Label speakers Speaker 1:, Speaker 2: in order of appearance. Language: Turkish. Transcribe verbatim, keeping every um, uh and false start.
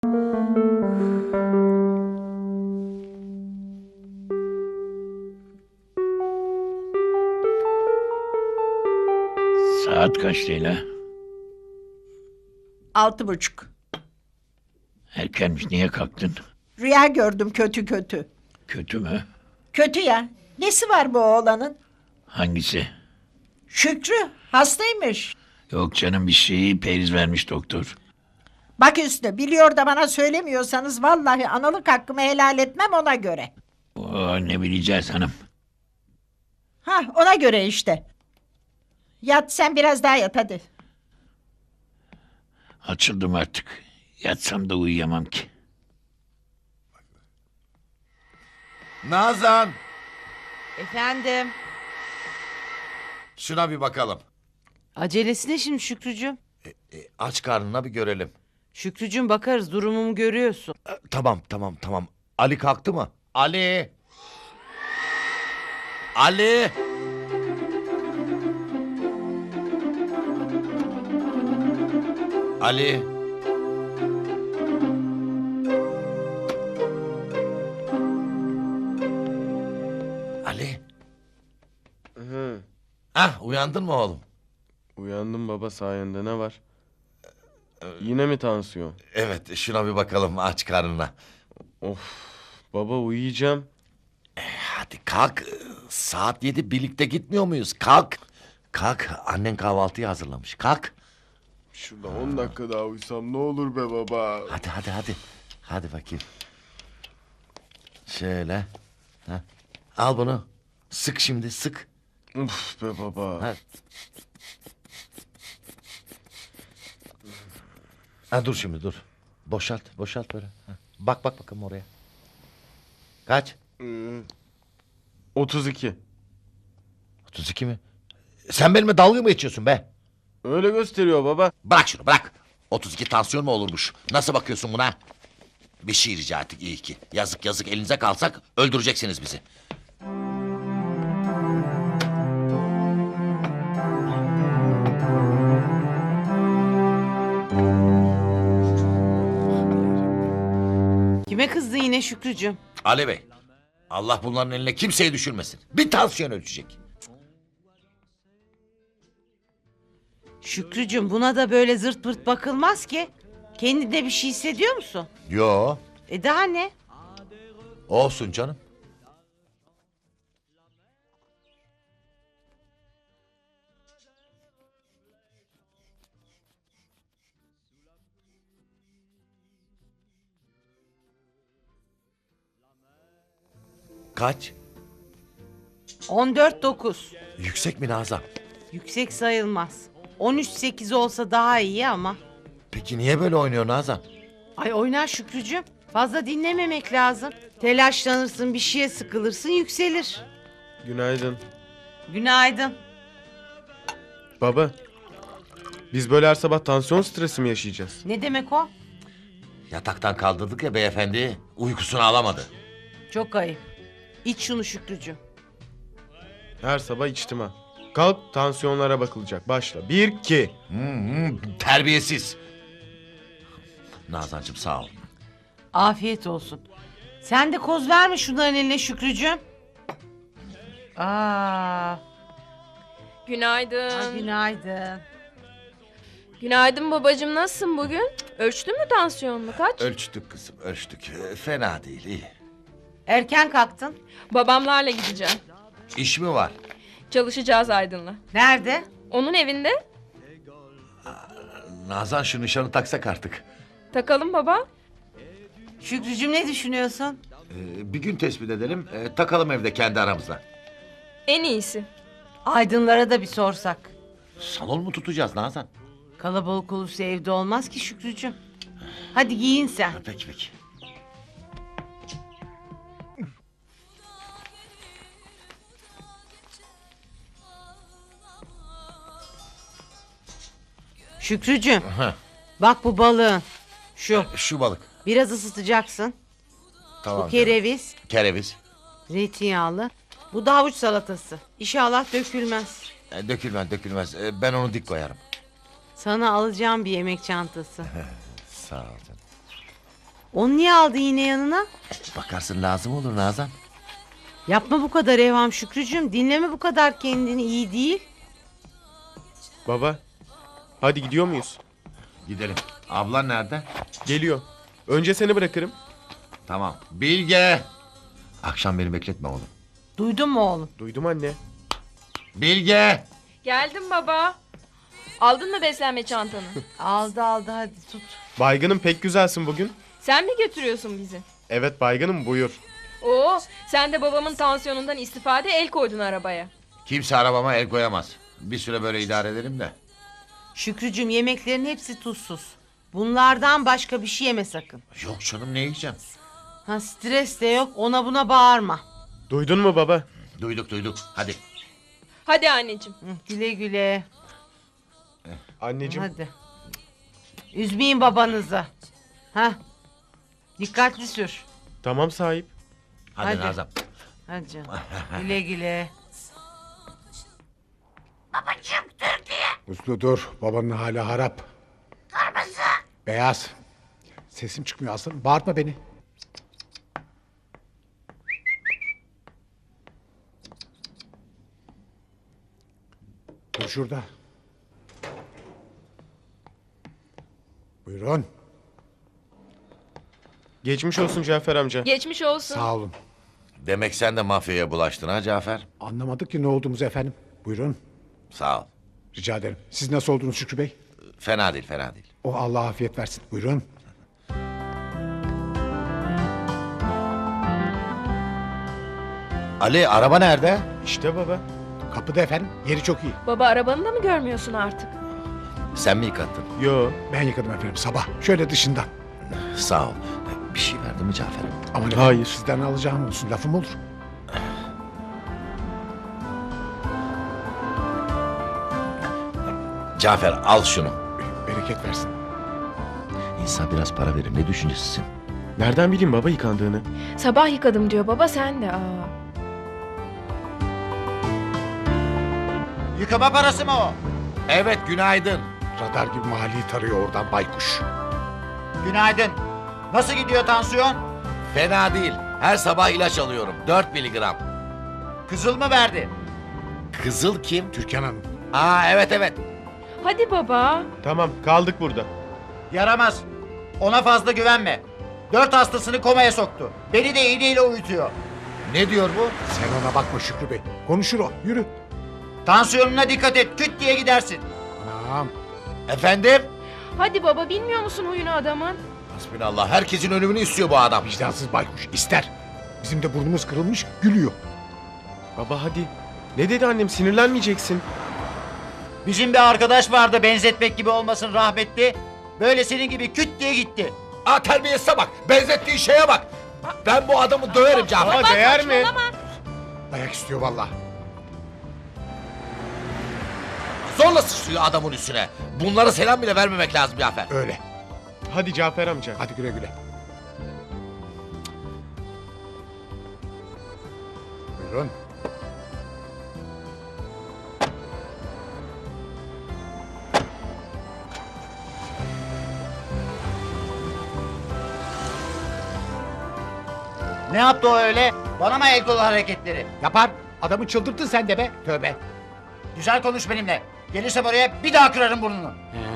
Speaker 1: Saat kaç Leyla?
Speaker 2: Altı buçuk.
Speaker 1: Erkenmiş, niye kalktın?
Speaker 2: Rüya gördüm kötü kötü.
Speaker 1: Kötü mü?
Speaker 2: Kötü ya. Nesi var bu oğlanın?
Speaker 1: Hangisi?
Speaker 2: Şükrü hastaymış.
Speaker 1: Yok canım, bir şeyi periz vermiş doktor.
Speaker 2: Bak Hüsnü, biliyor da bana söylemiyorsanız vallahi analık hakkımı helal etmem, ona göre.
Speaker 1: Oo, ne bileceğiz hanım.
Speaker 2: Ha, ona göre işte. Yat sen, biraz daha yat hadi.
Speaker 1: Açıldım artık. Yatsam da uyuyamam ki.
Speaker 3: Nazan,
Speaker 4: Efendim.
Speaker 3: şuna bir bakalım.
Speaker 4: Acelesi ne şimdi Şükrücüğüm?
Speaker 3: E, aç karnına bir görelim.
Speaker 4: Şükrücüğüm bakarız, durumumu görüyorsun.
Speaker 3: E, tamam, tamam, tamam. Ali kalktı mı? Ali! Ali! Ali! Ali!
Speaker 5: Hı,
Speaker 3: Ah, uyandın mı oğlum?
Speaker 5: uyandım baba sayende, ne var? Yine mi tansiyon?
Speaker 3: Evet, şuna bir bakalım aç karnına.
Speaker 5: Of baba, uyuyacağım.
Speaker 3: Hadi kalk. Saat yedi, birlikte gitmiyor muyuz? Kalk. Kalk. Annen kahvaltıyı hazırlamış. Kalk.
Speaker 5: Şurada on dakika daha uyusam ne olur be baba.
Speaker 3: Hadi hadi hadi. Hadi bakayım. Şöyle. Ha. Al bunu. Sık şimdi sık.
Speaker 5: Uf be baba.
Speaker 3: Ha. Ha, dur şimdi dur. Boşalt boşalt böyle. Ha. Bak bak bakalım oraya. Kaç?
Speaker 5: Ee, otuz iki.
Speaker 3: otuz iki mi? Sen benimle dalga mı geçiyorsun be?
Speaker 5: Öyle gösteriyor baba.
Speaker 3: Bırak şunu bırak. otuz iki tansiyon mu olurmuş? Nasıl bakıyorsun buna? Bir şey rica ettik iyi ki. Yazık yazık, elinize kalsak öldüreceksiniz bizi.
Speaker 4: Kime kızdın yine Şükrücüğüm?
Speaker 3: Ali Bey, Allah bunların eline kimseyi düşürmesin. Bir tansiyon ölçecek.
Speaker 4: Şükrücüğüm, buna da böyle zırt pırt bakılmaz ki. Kendinde bir şey hissediyor musun?
Speaker 3: Yo,
Speaker 4: E daha ne?
Speaker 3: olsun canım. Kaç?
Speaker 4: on dört dokuz.
Speaker 3: Yüksek mi Nazan?
Speaker 4: Yüksek sayılmaz. on üç sekiz olsa daha iyi ama.
Speaker 3: Peki niye böyle oynuyor Nazan?
Speaker 4: Ay oynar Şükrücüğüm. Fazla dinlememek lazım. Telaşlanırsın, bir şeye sıkılırsın, yükselir.
Speaker 5: Günaydın.
Speaker 4: Günaydın.
Speaker 5: Baba, biz böyle her sabah tansiyon stresi mi yaşayacağız?
Speaker 4: Ne demek o?
Speaker 3: Yataktan kaldırdık ya beyefendi. Uykusunu alamadı.
Speaker 4: Çok ayıp. İç şunu Şükrücüğüm.
Speaker 5: Her sabah içtim ha. Kalk, tansiyonlara bakılacak. Başla. Bir, iki.
Speaker 3: Hmm, hmm, terbiyesiz. Nazancığım sağ ol.
Speaker 4: Afiyet olsun. Sen de koz verme şunların eline Şükrücüğüm. Aa,
Speaker 6: Günaydın.
Speaker 4: ay günaydın.
Speaker 6: Günaydın babacığım, nasılsın bugün? Ölçtün mü tansiyonunu, kaç?
Speaker 3: Ölçtük kızım ölçtük. Ee, Fena değil iyi.
Speaker 4: Erken kalktın.
Speaker 6: Babamlarla gideceğim.
Speaker 3: İş mi var?
Speaker 6: Çalışacağız Aydın'la.
Speaker 4: Nerede?
Speaker 6: Onun evinde.
Speaker 3: Nazan şu nişanı taksak artık.
Speaker 6: Takalım baba.
Speaker 4: Şükrücüğüm, ne düşünüyorsun?
Speaker 3: Ee, bir gün tespit edelim. e, takalım evde kendi aramızda.
Speaker 6: En iyisi.
Speaker 4: Aydınlara da bir sorsak.
Speaker 3: Salon mu tutacağız Nazan?
Speaker 4: Kalabalık olursa evde olmaz ki Şükrücüğüm. Hadi giyin sen.
Speaker 3: Ha, peki peki.
Speaker 4: Şükrücüğüm,
Speaker 3: Heh,
Speaker 4: bak bu balığın. Şu.
Speaker 3: şu balık.
Speaker 4: Biraz ısıtacaksın.
Speaker 3: Tamam.
Speaker 4: Bu
Speaker 3: canım.
Speaker 4: kereviz.
Speaker 3: Kereviz.
Speaker 4: Zeytinyağlı. Bu da havuç salatası. İnşallah dökülmez.
Speaker 3: E, dökülmez dökülmez. E, ben onu dik koyarım.
Speaker 4: Sana alacağım bir yemek çantası.
Speaker 3: Sağ ol canım.
Speaker 4: Onu niye aldı yine yanına?
Speaker 3: Bakarsın lazım olur Nazan.
Speaker 4: Yapma bu kadar evham Şükrücüğüm. Dinleme bu kadar kendini, iyi değil.
Speaker 5: Baba. Hadi gidiyor muyuz?
Speaker 3: Gidelim. Ablan nerede?
Speaker 5: Geliyor. Önce seni bırakırım.
Speaker 3: Tamam. Bilge. Akşam beni bekletme oğlum.
Speaker 4: Duydun mu oğlum?
Speaker 5: Duydum anne.
Speaker 3: Bilge.
Speaker 6: Geldim baba. Aldın mı beslenme çantanı?
Speaker 4: Aldı aldı, hadi tut.
Speaker 5: Baygınım pek güzelsin bugün.
Speaker 6: Sen mi götürüyorsun bizi?
Speaker 5: Evet baygınım buyur.
Speaker 6: Oo, sen de babamın tansiyonundan istifade el koydun arabaya.
Speaker 3: Kimse arabama el koyamaz. Bir süre böyle idare ederim de.
Speaker 4: Şükrücüğüm, yemeklerin hepsi tuzsuz. Bunlardan başka bir şey yeme sakın.
Speaker 3: Yok canım, ne yiyeceğim?
Speaker 4: Ha, stres de yok, ona buna bağırma.
Speaker 5: Duydun mu baba?
Speaker 3: Duyduk duyduk. Hadi.
Speaker 6: Hadi anneciğim.
Speaker 4: Hı, güle güle.
Speaker 5: Anneciğim.
Speaker 4: Hadi. Üzmeyin babanızı. Ha. Dikkatli sür.
Speaker 5: Tamam sahip.
Speaker 3: Hadi,
Speaker 4: Hadi.
Speaker 3: Nazan.
Speaker 4: Hadi canım. Güle güle.
Speaker 7: Uslu dur. Babanın hala harap. Kırmızı. Beyaz. Sesim çıkmıyor aslanım. Bağırtma beni. Dur şurada. Buyurun.
Speaker 5: Geçmiş olsun Cafer amca.
Speaker 6: Geçmiş olsun.
Speaker 7: Sağ olun.
Speaker 3: Demek sen de mafyaya bulaştın ha Cafer?
Speaker 7: Anlamadık ki ne olduğumuzu efendim. Buyurun.
Speaker 3: Sağ ol.
Speaker 7: Rica ederim. Siz nasıl oldunuz Şükrü Bey?
Speaker 3: Fena değil, fena değil.
Speaker 7: O Allah afiyet versin. Buyurun.
Speaker 3: Ali, araba nerede?
Speaker 5: İşte baba.
Speaker 7: Kapıda efendim. Yeri çok iyi.
Speaker 6: Baba, arabanı da mı görmüyorsun artık?
Speaker 3: Sen mi yıkattın?
Speaker 5: Yo.
Speaker 7: Ben yıkadım efendim sabah. Şöyle dışından.
Speaker 3: Sağ ol. Bir şey verdi mi Cafer'e?
Speaker 7: Aman efendim,
Speaker 5: Hayır.
Speaker 7: sizden alacağım olsun. Lafım olur.
Speaker 3: Cafer, al şunu.
Speaker 7: Bereket versin.
Speaker 3: İnsan biraz para verir. Ne düşüncesisin?
Speaker 5: Nereden bileyim baba yıkandığını?
Speaker 6: Sabah yıkadım diyor baba, sen de. Aa.
Speaker 8: Yıkama parası mı o?
Speaker 3: Evet, günaydın.
Speaker 7: Radar gibi mahalleyi tarıyor oradan baykuş.
Speaker 8: Günaydın. Nasıl gidiyor tansiyon?
Speaker 3: Fena değil. Her sabah ilaç alıyorum. dört miligram.
Speaker 8: Kızıl mı verdi?
Speaker 3: Kızıl kim?
Speaker 7: Türkan Hanım.
Speaker 3: Aa, evet evet.
Speaker 6: Hadi baba.
Speaker 5: Tamam kaldık burada.
Speaker 8: Yaramaz. Ona fazla güvenme. Dört hastasını komaya soktu. Beni de iğneyle uyutuyor.
Speaker 3: Ne diyor bu?
Speaker 7: Sen ona bakma Şükrü Bey. Konuşur o. Yürü.
Speaker 8: Tansiyonuna dikkat et. Küt diye gidersin.
Speaker 7: Anam.
Speaker 3: Efendim?
Speaker 6: Hadi baba, bilmiyor musun huyunu adamın?
Speaker 3: Hasbinallah. Herkesin ölümünü istiyor bu adam.
Speaker 7: Vicdansız baykuş. İster. Bizim de burnumuz kırılmış. Gülüyor.
Speaker 5: Baba hadi. Ne dedi annem, sinirlenmeyeceksin.
Speaker 8: Bizim bir arkadaş vardı, benzetmek gibi olmasın, rahmetli. Böyle senin gibi küt diye gitti.
Speaker 3: Aa, terbiyesize bak. Benzettiği şeye bak. Ben bu adamı döverim Cafer.
Speaker 5: Baba değer mi?
Speaker 7: Dayak istiyor vallahi.
Speaker 3: Zorla sıçrıyor adamın üstüne. Bunlara selam bile vermemek lazım Cafer.
Speaker 7: Öyle.
Speaker 5: Hadi Cafer amca.
Speaker 7: Hadi güle güle. Buyurun.
Speaker 8: Ne yaptı o öyle? Bana mı el kol hareketleri?
Speaker 7: Yapar. Adamı çıldırttın sen de be. Tövbe.
Speaker 8: Güzel konuş benimle. Gelirsem oraya bir daha kırarım burnunu.
Speaker 7: He,